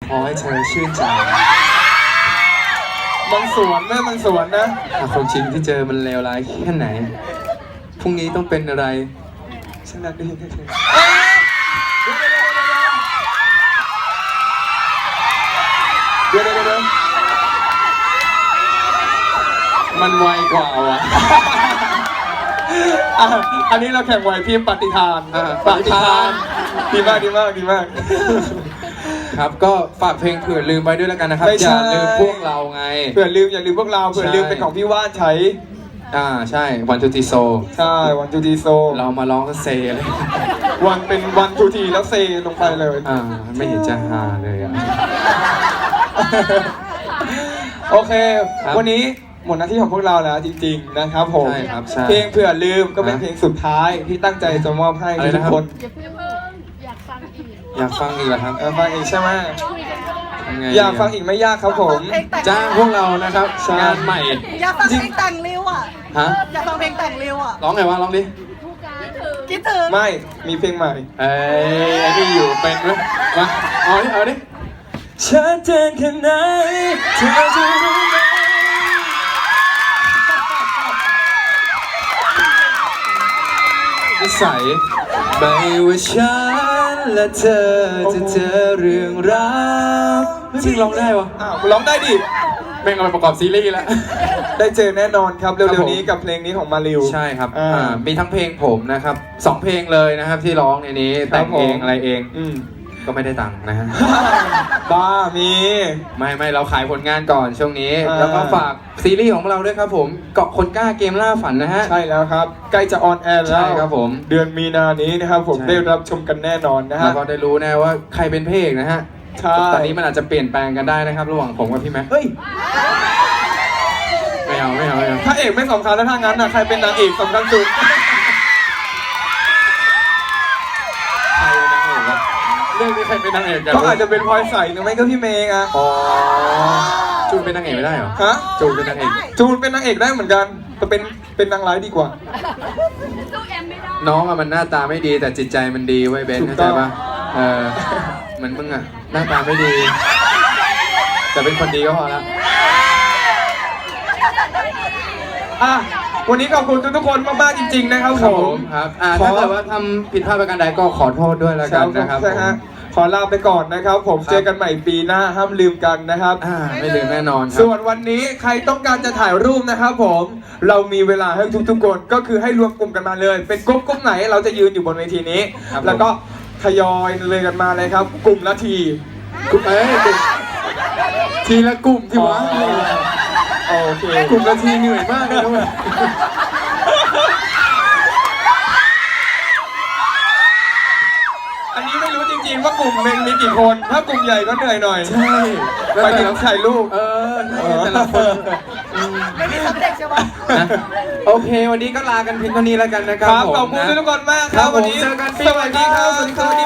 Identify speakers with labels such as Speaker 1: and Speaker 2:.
Speaker 1: ขอให้เธอชื่นใจ
Speaker 2: มันสวนแม่มันสวนนะ
Speaker 1: ความจริงที่เจอมันเลวร้ายแค่ไหนพรุ่งนี้ต้องเป็นอะไรฉันรักได้แค่เธอ
Speaker 2: เดี๋ยว
Speaker 1: มันไวกว่าวะ
Speaker 2: อันนี้เราแข่งไหวพริบปฏิทานดีมาก
Speaker 1: ครับก็ฝากเพลงเผื่อลืมไว้ด้วยแล้วกันนะครับอย่าลืมพวกเราไง
Speaker 2: เผื่อลืมอย่าลืมพวกเราเผื่อลืมเป็นของพี่ว่านใช้
Speaker 1: ใช่วันทูทีโซ
Speaker 2: ใช่วันทูทีโซ
Speaker 1: เรามาร้องก็เซเลย
Speaker 2: วันเป็นวันทูทีแล้วเซลงไปเลย
Speaker 1: ไม่เห็นจะฮาเลย
Speaker 2: โอเควันนี้หมดหน้าที่ของพวกเราแล้วจริงๆนะครับผมเพลงเผื่อลืมก็เป็นเพลงสุดท้ายที่ตั้งใจจะมอบให้ทุกคน
Speaker 1: อยากฟังอีกเหรอครับ
Speaker 2: ฟังอีกใช่ไหมอยากฟังอีกไม่ยากครับผม
Speaker 1: จ้างพวกเรานะครับงานใหม่
Speaker 3: อยากฟังเพลงแต่งริวอ่ะอยากฟังเพลงแต่งริวอ่ะ
Speaker 1: ร้องไงวะร้องดิ
Speaker 3: คิดถึง
Speaker 2: ไม่มีเพลงใหม่
Speaker 1: ไอ้นี่อยู่เป็นไหมมาเอาดิ
Speaker 2: ชัดเจนแค่ไหนเธอจะรู้ไหม
Speaker 1: นิสัยไม่ว่าฉันและเธอจะเจอเรื่องราวจริงร้องได้วะ
Speaker 2: ร้องได้ดิ
Speaker 1: แม่งเอาไปประกอบซีรีส์แล้ว
Speaker 2: ได้เจอแน่นอนครับเร็วๆนี้กับเพลงนี้ของมาริว
Speaker 1: ใช่ครับมีทั้งเพลงผมนะครับ2เพลงเลยนะครับที่ร้องในนี้แต่งเองอะไรเองก็ไม่ได้ตังค์นะฮะ
Speaker 2: บ้ามี
Speaker 1: ไม่เราขายผลงานก่อนช่วงนี้แล้วก็ฝากซีรีส์ของเราด้วยครับผมเกาะคนกล้าเกมล่าฝันนะฮะ
Speaker 2: ใช่แล้วครับใกล้จะออนแอร์แล้ว
Speaker 1: ครับผม
Speaker 2: เดือนมีนานี้นะครับผมได้รับชมกันแน่นอนนะฮะ
Speaker 1: แล้วก็ได้รู้แน่ว่าใครเป็นพระเอกนะฮะตอนนี้มันอาจจะเปลี่ยนแปลงกันได้นะครับระหว่างผมกับพี่แม็กไม่เอา
Speaker 2: พระเอกไม่สำคัญแล้วถ้างั้นนะใครเป็นนางเอกสำคัญสุด
Speaker 1: เรื่องนี้ใครเป็นนางเอกกัน
Speaker 2: ก็อาจจะเป็นพลอยใสหรือไม่ก็พี่เมย์อ่ะ
Speaker 1: จูนเป็นนางเอกไม่ได้เหรอ
Speaker 2: ฮะ
Speaker 1: จูนเป็นนางเอก
Speaker 2: ได้เหมือนกันแต่เป็นนางร้ายดีกว่า
Speaker 1: น้องมันหน้าตาไม่ดีแต่จิตใจมันดีไว้เบนเข้าใจปะเหมือนมึงอ่ะหน้าตาไม่ดีแต่เป็นคนดีก็พอแล้ว
Speaker 2: วันนี้ขอบคุณทุกคนมากๆจริงๆนะครับผม
Speaker 1: ครับถ้าเกิดว่าทำผิดพลาดประการใดก็ขอโทษด้วยแล้วกันนะครับ
Speaker 2: ขอลาไปก่อนนะครับผมเจอกันใหม่ปีหน้าห้ามลืมกันนะครับ
Speaker 1: ไม่ลืมแน่นอน
Speaker 2: ส่วนวันนี้ใครต้องการจะถ่ายรูปนะครับผมเรามีเวลาให้ทุกๆคนก็คือให้รวมกลุ่มกันมาเลยเป็นกลุ่มไหนเราจะยืนอยู่บนเวทีนี้แล้วก็ทยอยเลยกันมาเลยครับกลุ่มละที
Speaker 1: ทีละกลุ่มที่วะ
Speaker 2: โอเค
Speaker 1: กลุ่มละทีเหนื่อยมากเลยด้วย
Speaker 2: อันนี้ไม่รู้จริงๆว่ากลุ่มหนึ่งมีกี่คนถ้ากลุ่มใหญ่ก็เหนื่อยหน่อย
Speaker 1: ใช่
Speaker 2: ไปถึงถ่ายรูป
Speaker 1: แต่ละคน
Speaker 3: ไม่มีสำเร็จใช่ไหม
Speaker 1: โอเควันนี้ก็ลากันเพียงเท่านี้แล้วกันนะครับ
Speaker 2: ขอบคุณทุกคนมากครับวันนี้
Speaker 1: เจอกัน
Speaker 2: สวัสดีครับ